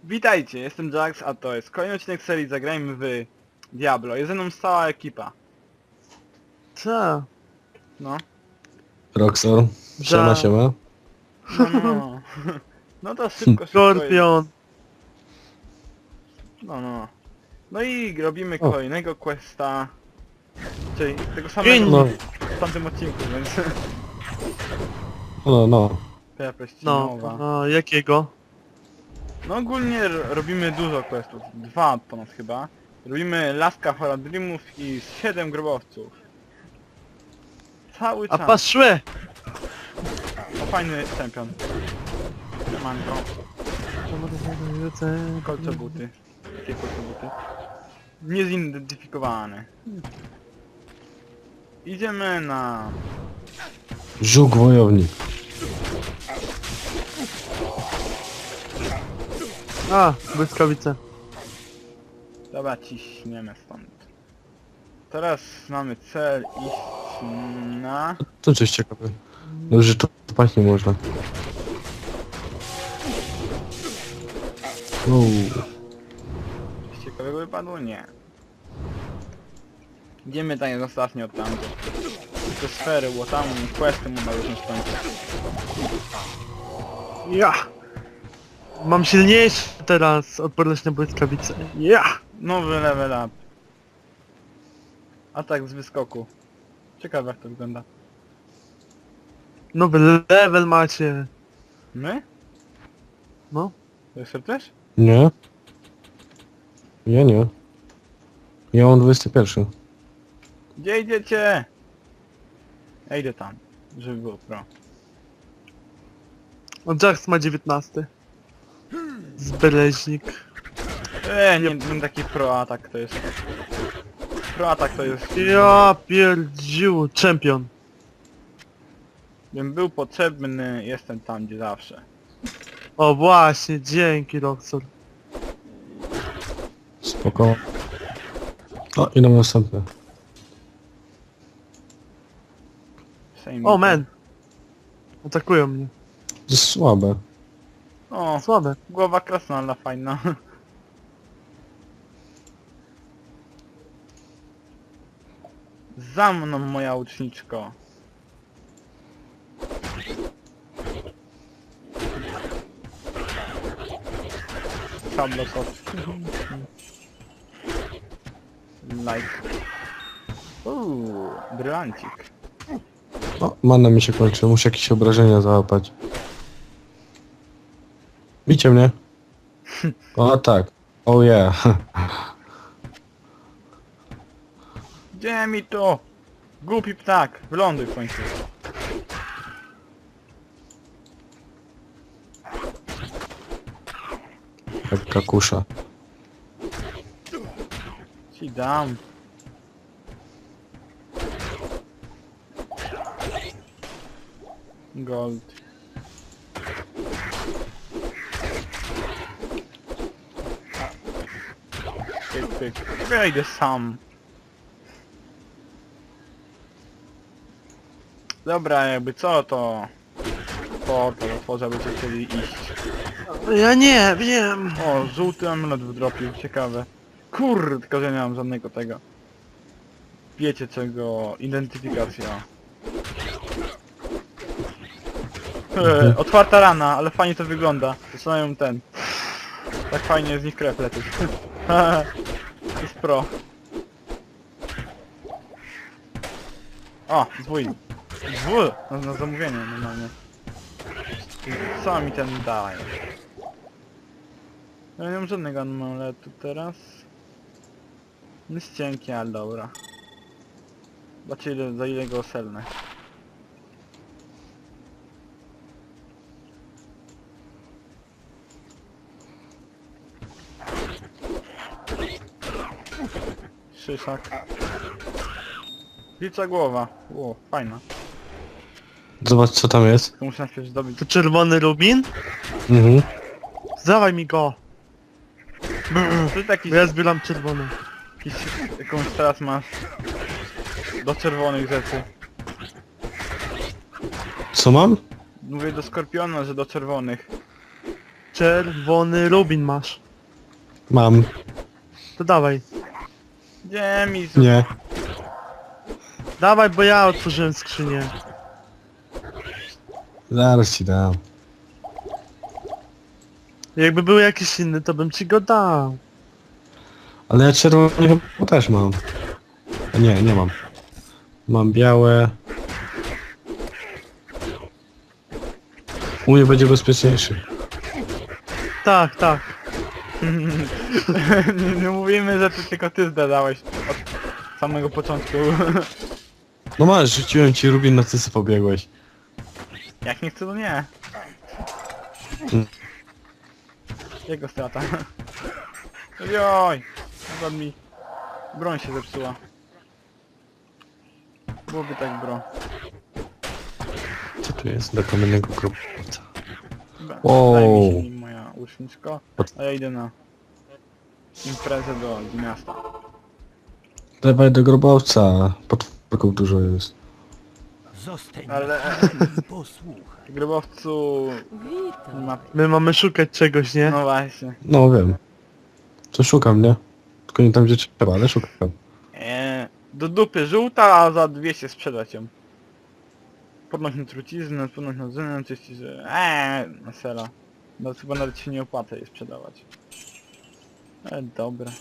Witajcie, jestem Jax, a to jest kolejny odcinek serii Zagrajmy w Diablo. Jest ze mną cała ekipa. Co? No. Roxor, siema, siema. No. No to szybko. Skorpion. No. No i robimy O. kolejnego questa. Czyli tego samego No, w tamtym odcinku, więc... no. Prepreścinowa. No, jakiego? No ogólnie robimy dużo questów. 2 ponad chyba. Robimy Laska Horadrimów i 7 grobowców. Cały A czas. paszły! O, fajny czempion. Manko. Kolcobuty. Jakie kolcobuty? Niezidentyfikowane. Idziemy na... Żuk wojownik. A, błyskawice. Dobra, ciśniemy stąd. Teraz mamy cel iść na... To coś ciekawe. No, że to spać nie można. Coś ciekawego wypadło? Nie. Idziemy tak jak ostatnio od tamtych. Te sfery, bo tam questy mu na różne skończyć. Ja! Mam silniejszy teraz odporność na błyskawice. Ja! Nowy level up. Atak z wyskoku. Ciekawe jak to wygląda. Nowy level macie. My? No. To jest też? Nie? Ja nie. Ja mam 21. Gdzie idziecie? Ja idę tam, żeby było pro. O, Jax ma 19. Zbeleźnik. Nie taki pro atak to jest. Pro atak to jest... Ja pierdziu, czempion. Bym był potrzebny, jestem tam gdzie zawsze. O właśnie, dzięki Roxor. Spoko. O, i na następne. Same O man! Atakują mnie. To jest słabe. O, Słabe. głowa krasnala fajna. Za mną, moja uczniczko. Szablosot. Like. Brylancik. O, mana mi się kończy, muszę jakieś obrażenia załapać. Bicie mnie. O tak. Oh yeah. Gdzie mi to? Głupi ptak, wyląduj w końcu. Jak kakusza. Ci dam. Gold. Pyk. Wejdę sam. Dobra, jakby co to... Portal otworzę, byście chcieli iść. Ja nie wiem. O, żółty amulet wdropił, ciekawe. Kurde, tylko że nie mam żadnego tego. Wiecie czego, identyfikacja. Otwarta rana, ale fajnie to wygląda. Zaczynają ten. Tak fajnie z nich krew lecieć. To jest pro. O, zwój. Zwój! Na zamówienie normalnie. Co mi ten daje? Ja nie mam żadnego amuletu teraz. Jest cienki, ale dobra. Zobaczcie za ile go oselnę. Szyszak. Wilcza głowa. O, fajna. Zobacz co tam jest. Tylko muszę najpierw zdobyć. To czerwony rubin? Mhm. Dawaj mi go. To jest jakiś, Bo ja zbieram czerwony. jakąś teraz masz do czerwonych rzeczy. Co mam? Mówię do Skorpiona, że do czerwonych. Czerwony rubin masz. Mam. To dawaj. Gdzie mi Nie. Dawaj, bo ja otworzyłem skrzynię. Zaraz ci dam. Jakby był jakiś inny, to bym ci go dał. Ale ja czerwony chyba też mam. A nie, nie mam. Mam białe. U mnie będzie bezpieczniejszy. Tak, tak. nie mówimy, że ty tylko ty zdadałeś od samego początku. No masz, rzuciłem ci rubin, na co sobie pobiegłeś. Jak nie chcę, to nie. Mm. Jego strata. Joj! Zobacz mi. Broń się zepsuła. Byłoby tak bro. Co tu jest? Do kamiennego grobowca. Dobra, Wow. Daj mi się nim moja łuczniczko, a ja idę na imprezę do miasta. Dawaj do grobowca. Potworków dużo jest. Zostań Ale i posłuchaj. grobowcu nie Witam. ma... My mamy szukać czegoś, nie? No właśnie. No wiem. To szukam, nie? Tylko nie tam gdzie trzeba, ale szukam. Do dupy żółta, a za 200 sprzedać ją. Podnoś na truciznę, podnoś na zynę, czyści, że... na sera. No chyba nawet się nie opłaca jej sprzedawać. Dobra.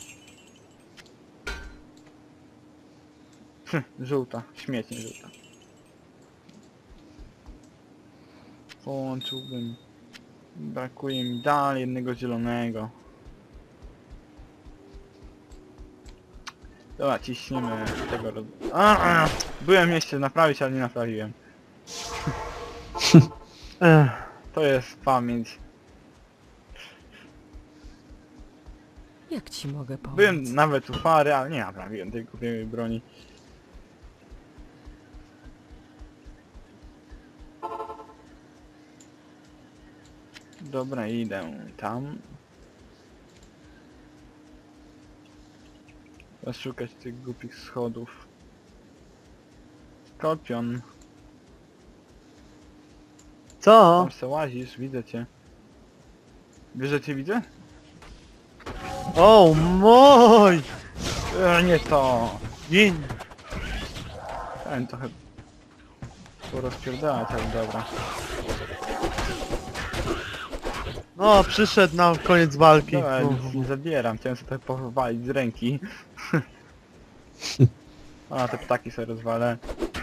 Żółta, śmietnie żółta. Połączyłbym... Brakuje mi dalej jednego zielonego. Dobra, ciśnijmy tego roz... Byłem jeszcze naprawić, ale nie naprawiłem. Ech. To jest pamięć. Jak ci mogę pomóc? Byłem nawet u Fary, ale nie naprawiłem tej głupiej broni. Dobra, idę tam. Szukać tych głupich schodów. Skorpion, Co? tam se łazisz, widzę cię. Wiesz, że cię widzę? O mój! Nie to! Gin! Chciałem trochę porozpierdalać, ale dobra. No, przyszedł na koniec walki. Dobra, No. nic nie zabieram, chciałem sobie trochę powalić z ręki. A, te ptaki sobie rozwalę.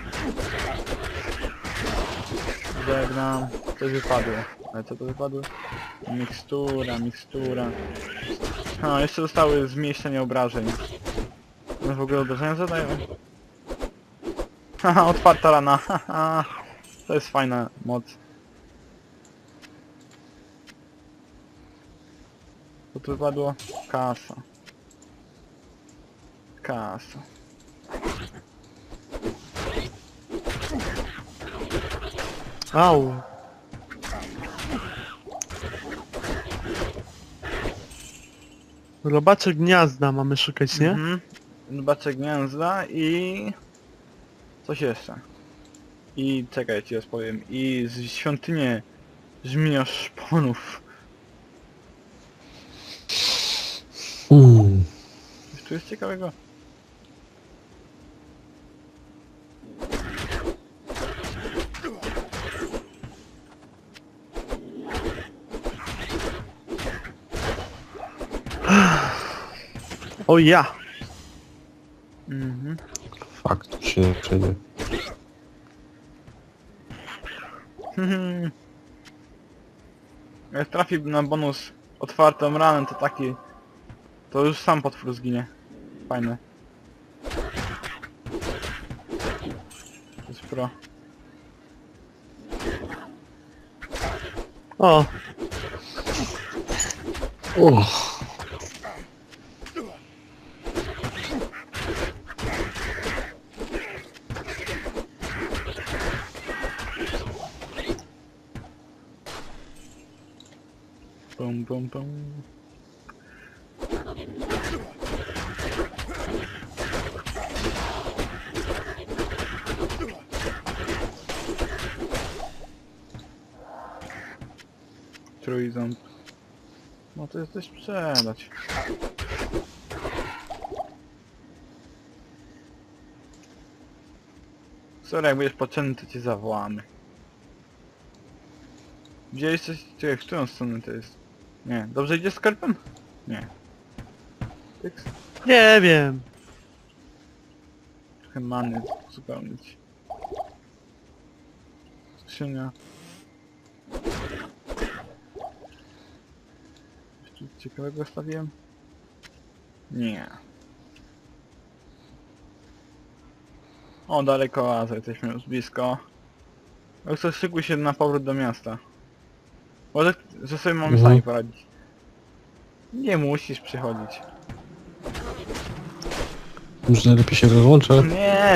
Żegnam. Coś wypadło. Ale co to wypadło? Mikstura, mikstura. A, jeszcze zostały zmniejszenie obrażeń. No w ogóle obrażenia zadają? Haha, otwarta rana, haha. To jest fajna moc. Co tu wypadło? Kasa. Kasa. Au. Robacze gniazda mamy szukać, nie? Mhm. Zobaczę gniazda i... Coś jeszcze. I czekaj, ci rozpowiem. I z świątynię żmija szponów. Coś tu jest ciekawego? O ja! Mhm. Fakt, tu się nie przejdzie. Jak trafi na bonus otwartą ranę, to taki... To już sam potwór zginie. Fajne. To jest pro. O! Bum bum bum. Trójząb. No to jest coś sprzedać. Sorry, jak będziesz potrzebny, to cię zawołamy. Widziałeś coś? Czekaj, w którą stronę to jest? Nie. Dobrze idzie skarpem? Nie. Tyks? Nie wiem. Trochę many uzupełnić. Skrzynia. Coś tu ciekawego stawiłem? Nie. O, daleko oaza, jesteśmy już blisko. Jak coś szykuj się na powrót do miasta. Może, że sobie mamy Mhm. sami poradzić. Nie musisz przychodzić. Może najlepiej się rozłączę? Nie,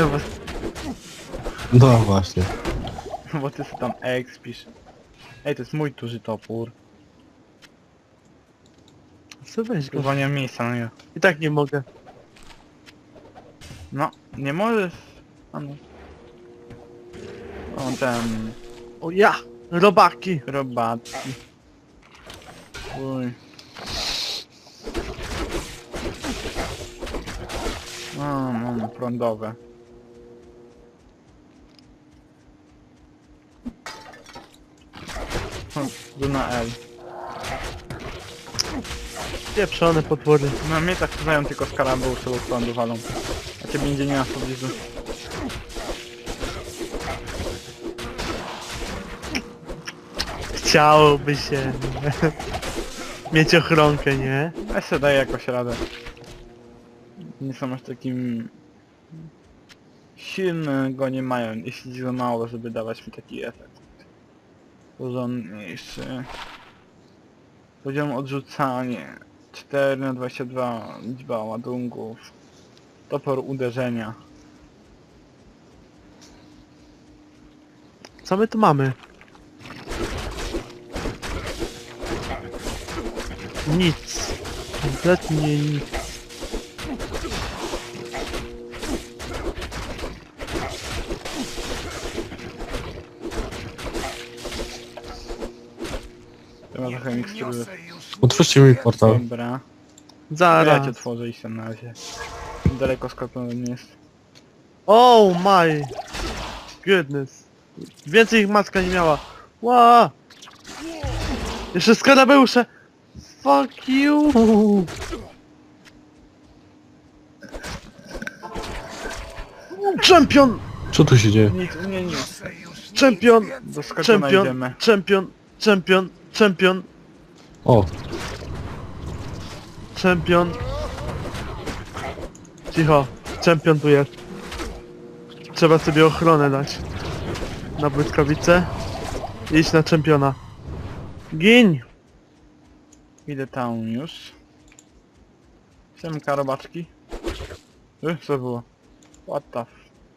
No właśnie. bo ty sobie tam expisz. Ej, to jest mój duży topór. Co weź go. Chyba nie mam miejsca na niego. I tak nie mogę. No, nie możesz. A no. O, ten... O ja! Robaki! Robatki. Uj. No, prądowe. Tu na L. Pieprzone potwory. No mnie tak znają tylko skarabeusze, bo prądu walą. A ciebie nigdzie nie ma w pobliżu. Chciałoby się mieć ochronkę, nie? Ja sobie daję jakoś radę. Nie są aż takim... silnego nie mają, jeśli za mało, żeby dawać mi taki efekt. Porządniejszy. Poziom odrzucanie. 4/22 liczba ładunków. Topór uderzenia. Co my tu mamy? Nic. Kompletnie nic. To ma trochę mikstury. Otwórzcie mi portal. Dobra. Ja Zaraz. cię otworzę i się na razie. Daleko skąd nie jest. Oh my goodness. Więcej ich matka nie miała. Ła! Jeszcze skarabeusze! Fuck you! Champion! Co tu się dzieje? Nic, nic. Champion! Do sklepu Champion! znajdziemy. Champion! Champion! Champion! O, Champion! Cicho. Champion tu jest. Trzeba sobie ochronę dać. Na błyskawice. Iść na czempiona. Gin! Idę tam już. Siemka robaczki. Co było? What the f...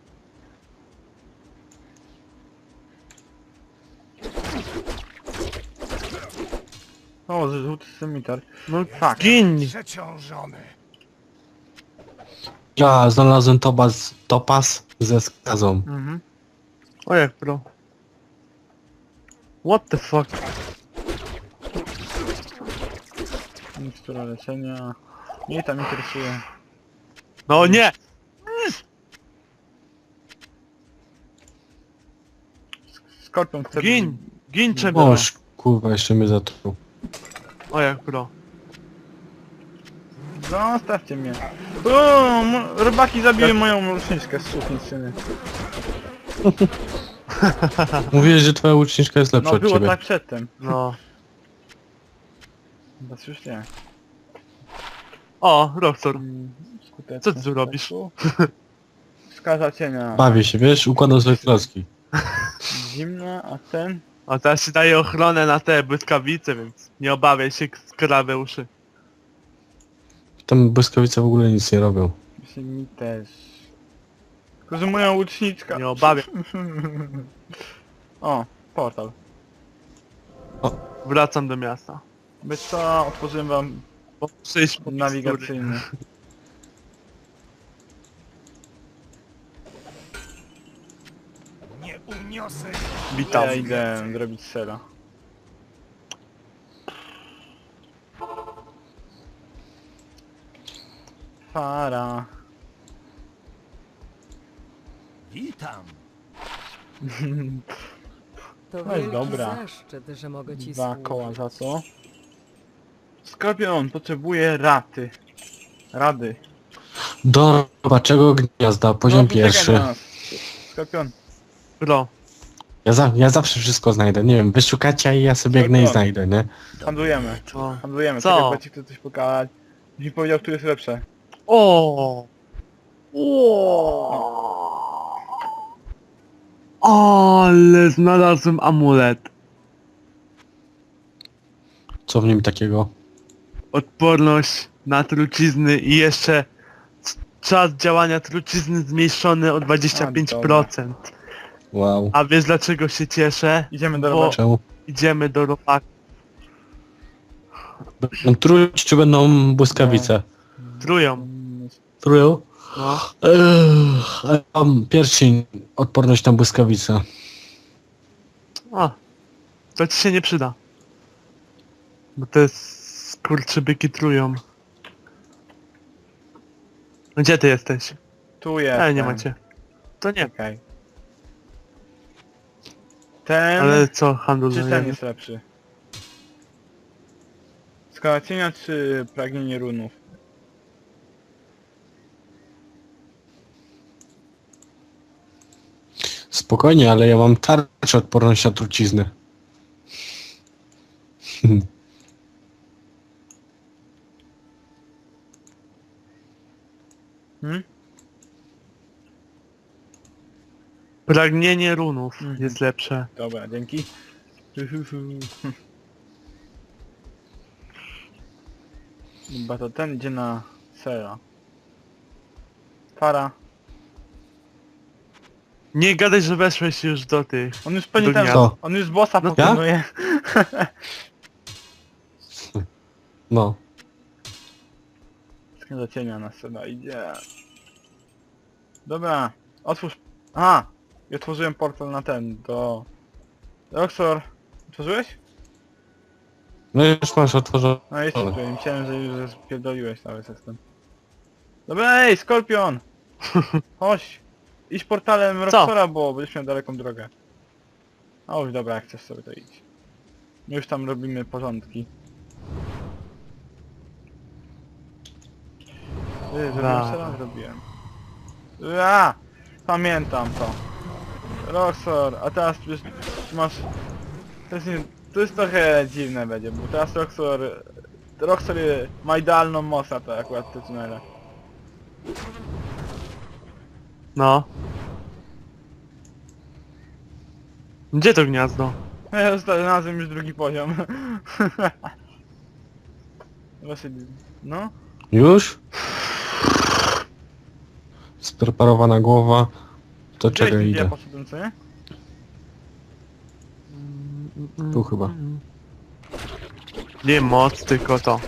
O, żółty cemitar. No Fuck. gin! Przeciążony. ja znalazłem topas ze skazą. Mhm. O jak bro. What the fuck? Mikstura leczenia. Mnie tam interesuje. No nie! Skorpion chce... Gin! Gin czempiona! Oż, kurwa, jeszcze mnie zatruł. O jak bro. Zostawcie mnie. O, rybaki zabiły moją ruszniczkę z suficyny. Mówiłeś, że twoja łuczniczka jest lepsza No od było ciebie. tak przedtem. No. Teraz już nie. O, Roxor. Skuteczność Co ty tu robisz? ataku. Wskaza cienia. Bawię się, wiesz, układam sobie klocki. Zimna, a ten? O teraz ci daje ochronę na te błyskawice, więc nie obawiaj się skarabeuszy. Tam błyskawice w ogóle nic nie robią. Myślę, mi też. Tylko, że moja łuczniczka. Nie obawiaj. O, portal. Wracam do miasta. By co, otworzyłem wam Bo muszę iść po mikstury. nawigacyjny. Nie uniosę. Witam. Ja idę zrobić sera. Para. Witam. To No i wielki dobra. zaszczyt, że mogę ci Dwa służyć. koła za to. Skorpion potrzebuje raty. Rady. Do robaczego gniazda, poziom No, poczekaj pierwszy. na nas. Skorpion. Bro. Ja zawsze wszystko znajdę, nie wiem, wyszukacie i ja sobie biegnę i Skorpion. znajdę, nie? Handlujemy. Co? Handlujemy. Co? Czekaj, bo ci chcę coś pokazać. Byś mi powiedział, który jest lepsze. O! Ale znalazłem amulet. Co w nim takiego? Odporność na trucizny i jeszcze czas działania trucizny zmniejszony o 25%. Wow. A wiesz dlaczego się cieszę? Idziemy do Bo- roboty. Czemu? Idziemy do robaka. Będą truć czy będą błyskawice? Trują. Trują? No. A ja mam pierścień, odporność na błyskawice. A. To ci się nie przyda. Bo te skurczybyki trują. Gdzie ty jesteś? Tu jest. Ale nie macie. To nie. Czekaj. Ten Ale co czy handlujemy? ten jest lepszy? Skala cienia czy pragnienie runów? Spokojnie, ale ja mam tarczę odporność na trucizny. Hmm? Pragnienie runów Mhm. jest lepsze. Dobra, dzięki. Chyba to ten idzie na sera. Para. Nie gadaj, że weszłeś już do tych. On już pewnie Do ten... gniazda. On już bossa No, pokonuje. No. Do cienia na sera idzie. Dobra. Otwórz... Aha! I otworzyłem portal na ten, do... Roxor. Otworzyłeś? No już masz otworzone. No jest tutaj, myślałem, że już spierdoliłeś cały system. Dobra, ej, Skorpion! Chodź! Idź portalem Roxora, bo będziesz miał daleką drogę. A już dobra, jak chcesz sobie to idź. My już tam robimy porządki. Zrobiłem Dobra. co zrobiłem. A! Pamiętam to. Roxor, a teraz już masz... To jest, nie... to jest trochę dziwne będzie, bo teraz Roxor ma idealną moc na to akurat te tunele. No. Gdzie to gniazdo? Ja znalazłem już drugi poziom. Właśnie, no. Już? Spreparowana głowa. To czego Gdzie ja idę? poszedłem, co nie? Tu chyba. Nie moc, tylko to.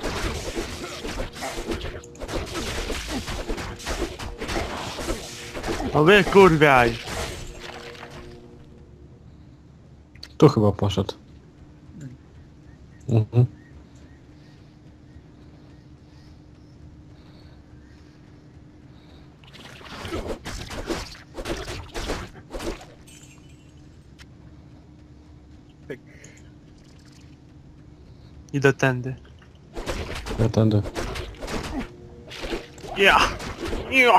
No wy kurwiaj. Tu chyba poszedł. Mhm. Pyk. Idę tędy. Ja tędy. Ja! Ja!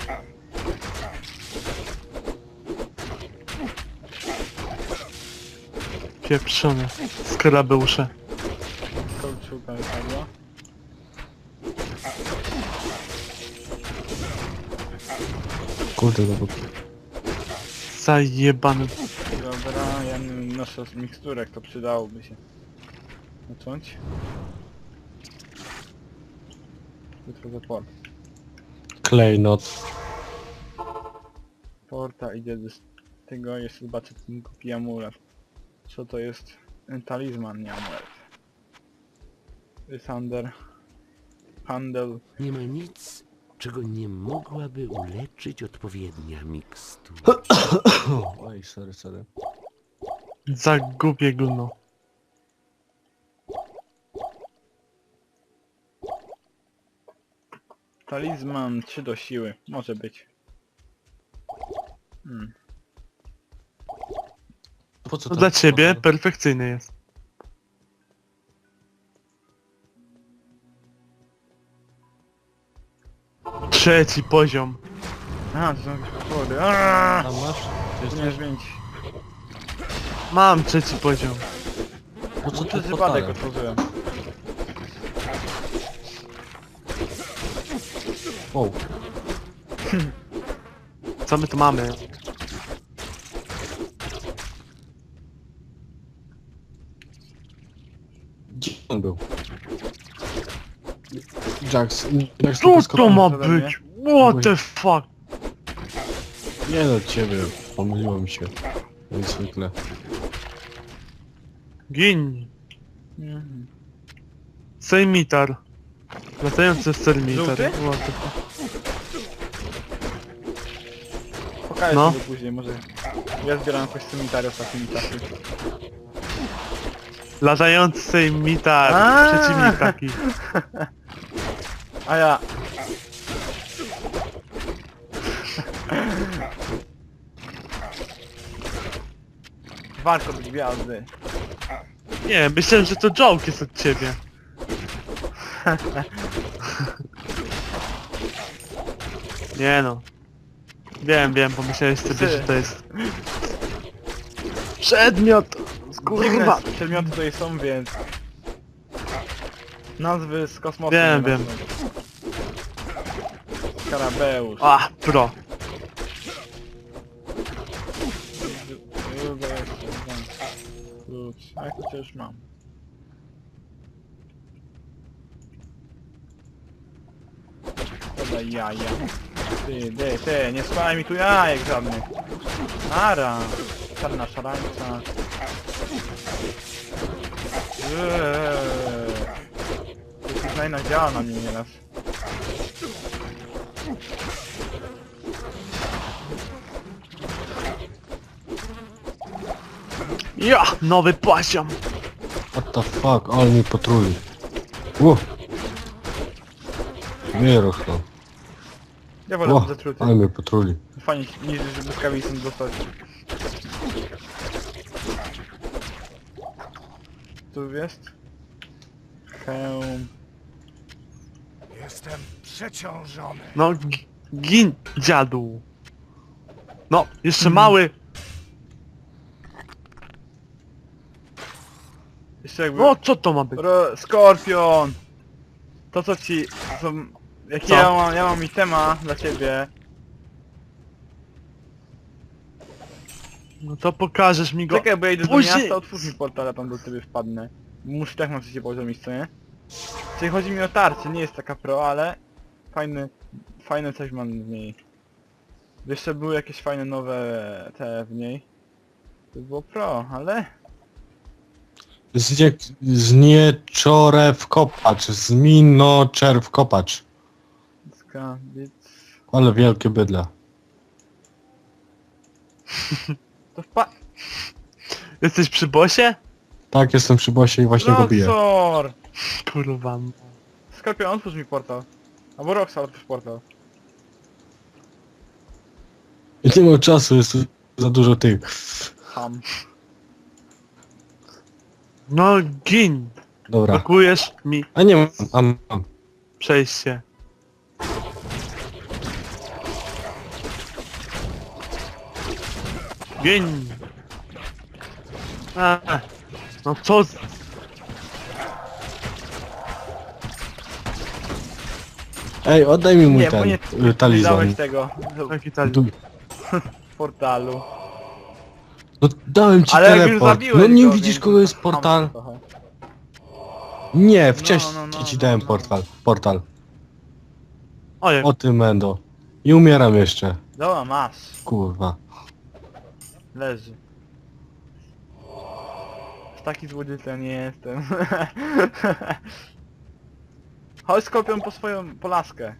Pieprzone. Skarabeusze. Kołczułka wypadła. Kurde, to był... Zajebany. Dobra, ja noszę z miksturek, to przydałoby się. Zacząć. Jutro za port. Klejnot. Porta idzie do tego, jeszcze zobaczę ten głupi amulet. Co to jest? Talizman, nie amulet. Sander. Handel. Nie ma nic, czego nie mogłaby uleczyć odpowiednia mikstura. Oj, sorry. Za głupie gówno. Talizman 3 do siły. Może być. Po co To tam dla ciebie portal? perfekcyjny jest. Trzeci poziom. Aha, to są jakieś potwory. Aaaa! Tam masz? Powinieneś zmienić. Mam trzeci poziom. Po co To tu jest wypadek portale? otworzyłem. Wow. Co my tu mamy? Gdzie on był? Jax, Jax Co tylko to skoro... ma ode mnie. być? What the fuck? Nie do ciebie, pomyliło mi się. Jak zwykle. Gin. Mhm. Sejmitar. Latający sejmitar. Żółty? What the fuck? Pokażę No. sobie później, może... Ja zbieram jakoś cemitary ostatnimi czasy. Latający sejmitar. Aaa! Przeciwnik taki. A ja... Warto być gwiazdy. Nie, myślałem, że to joke jest od ciebie. Nie no. Wiem, pomyślałeś sobie, że to jest... Przedmiot! Dziwne Kurwa! przedmioty tutaj są, więc... Nazwy z kosmosu. Wiem, nie wiem. nazwą. Skarabeusz. A, pro. Druga jeszcze, dwa. Klucz. A jak to już mam? Podaj jaja. Ty, nie składaj mi tu jajek żadnych. Nara. Czarna szarańca. To znajna działa na mnie nieraz. Ja! Nowy poziom! What the fuck, ale mi potruli. Ło! Nie rochno. Ja wolę Ło, być zatruty. ale mnie potruli. Fajnie niż żeby skawicą dostać. Tu jest? Hełm. Jestem przeciążony. No, gin, dziadu. No, jeszcze mały. Jeszcze jakby... No, co to ma być? Skorpion! To co ci... Są... Jaki Co? ja mam itema dla ciebie. No to pokażesz mi go. Czekaj, bo ja idę do Później- miasta, otwórz mi portal, ja tam do ciebie wpadnę. Muszę tak na trzecie poziom iść, co nie? Czyli chodzi mi o tarczę, nie jest taka pro, ale... Fajne coś mam w niej. Jeszcze były jakieś fajne nowe te w niej. To było pro, ale... Znieczorew kopacz, zminoczerw kopacz. Skabic... Ale wielkie bydle. To Jesteś przy bosie? Tak, jestem przy bosie i właśnie go biję. Roxor! Kurwa. Skorpion, otwórz mi portal. Albo Roxor, otwórz portal. I nie mam czasu, jest tu za dużo tych. Ham. No, gin. Dobra. Blokujesz mi A nie mam. przejście. Gin. No co? Ej, oddaj mi mój Nie, bo nie talizman. dałeś tego Taki tal. w portalu. No dałem ci Ale jak już teleport. zabiłeś No nie go, widzisz więc kogo jest ham portal? trochę. Nie, wcześniej no, ci dałem no. portal. Ojej. O ty mendo. I umieram jeszcze. Dobra, masz. Kurwa. Leży. Z taki złodziejca nie jestem. Chodź Skorpion po swoją polaskę.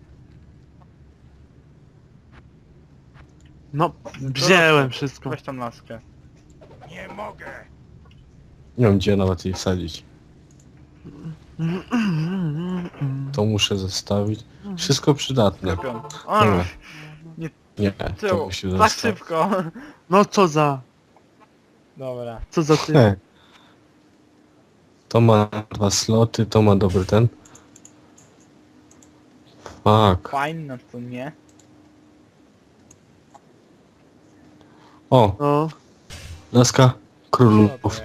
No, wziąłem wszystko. Weź tam laskę. Nie mogę. Nie wiem gdzie nawet jej wsadzić. To muszę zostawić. Wszystko przydatne. Skorpion. Dobra. Nie, Nie, to czemu? musi Tak zostać. szybko. No co za... Dobra. Co za ty? He. To ma 2 sloty, to ma dobry ten. Fuck. Fajne, to nie. O, No. laska Co to królów. jest?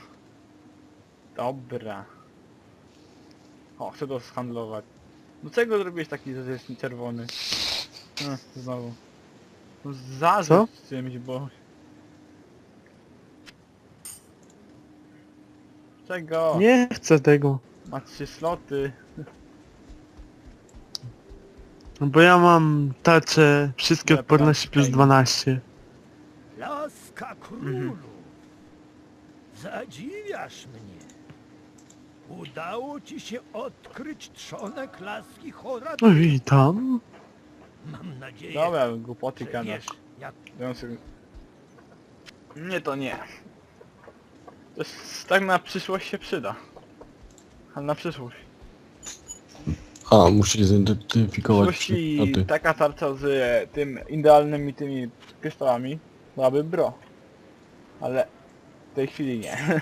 Dobra. O, chcę to zhandlować. Dlaczego zrobiłeś taki, że jest czerwony? Znowu. No zarzuć czymś, bo... Czego? Nie chcę tego. Ma 3 sloty. No bo ja mam tarcze wszystkie Ja odporności plus tam- 12. Laska królu, zadziwiasz mnie. Udało ci się odkryć trzonek laski Horat. No witam. Mam nadzieję, Dobra, głupoty że gadasz. wiesz, jak Ja sobie... Nie, to nie. To jest, tak na przyszłość się przyda. Ale na przyszłość. A, musi W zidentyfikować przyszłości przedmioty. taka tarcza z tym idealnymi tymi kryształami byłaby bro. Ale w tej chwili nie.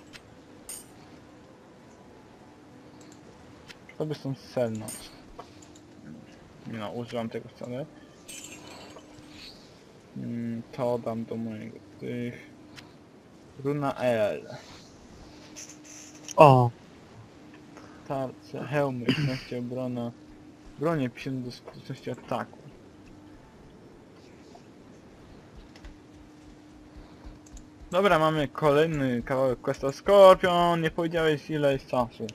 To by są celną. Nie no, używam tego wcale. To dam do mojego tych... Runa L. O, Tarcze, hełmy, 15 obrona. Bronie 50 do skuteczności ataku. Dobra, mamy kolejny kawałek questa Skorpion. Nie powiedziałeś ile jest czasu.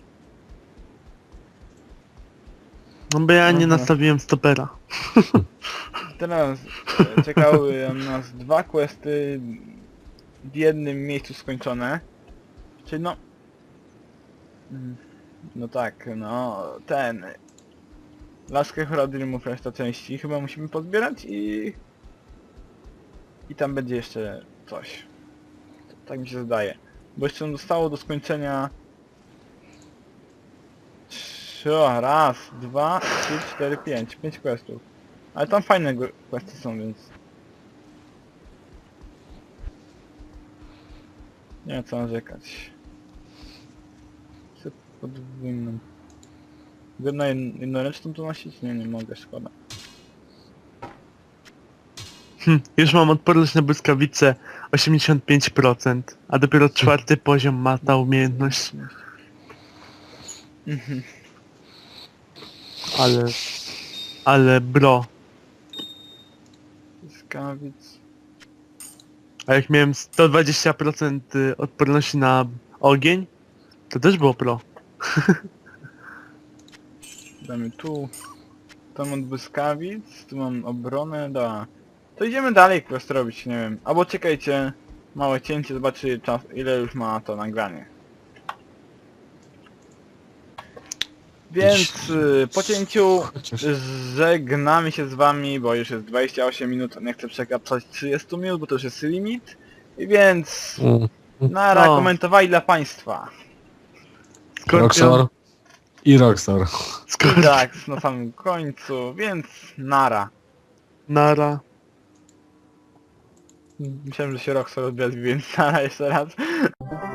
no bo ja nie Aha. nastawiłem stopera. Teraz czekały nas 2 questy w jednym miejscu skończone. Czyli no... No tak, no ten... Laskę Horadrimów reszta części chyba musimy pozbierać i tam będzie jeszcze coś. Tak mi się zdaje. Bo jeszcze nam zostało do skończenia... Raz, 2, 3, 4, 5. 5 questów. Ale tam fajne questy są, więc... Nie ma co narzekać. Chcę podwójną. Mogę na jednoręczną to nosić? Nie, nie mogę, szkoda. Już mam odporność na błyskawice 85%, a dopiero 4. poziom ma ta umiejętność. Ale bro. Błyskawic. A jak miałem 120% odporności na ogień, to też było pro. Damy tu. Tam mam błyskawic, tu mam obronę, da. To idziemy dalej quest robić, nie wiem. Albo czekajcie, małe cięcie, zobaczy czas, ile już ma to nagranie. Więc po cięciu Chociaż żegnamy się z wami, bo już jest 28 minut, nie chcę przekraczać 30 minut, bo to już jest limit. I więc nara No. komentowali dla państwa. Roxor i Roxor. I tak, na samym końcu, więc nara. Nara. Myślałem, że się Roxor odwiedzi, więc nara jeszcze raz.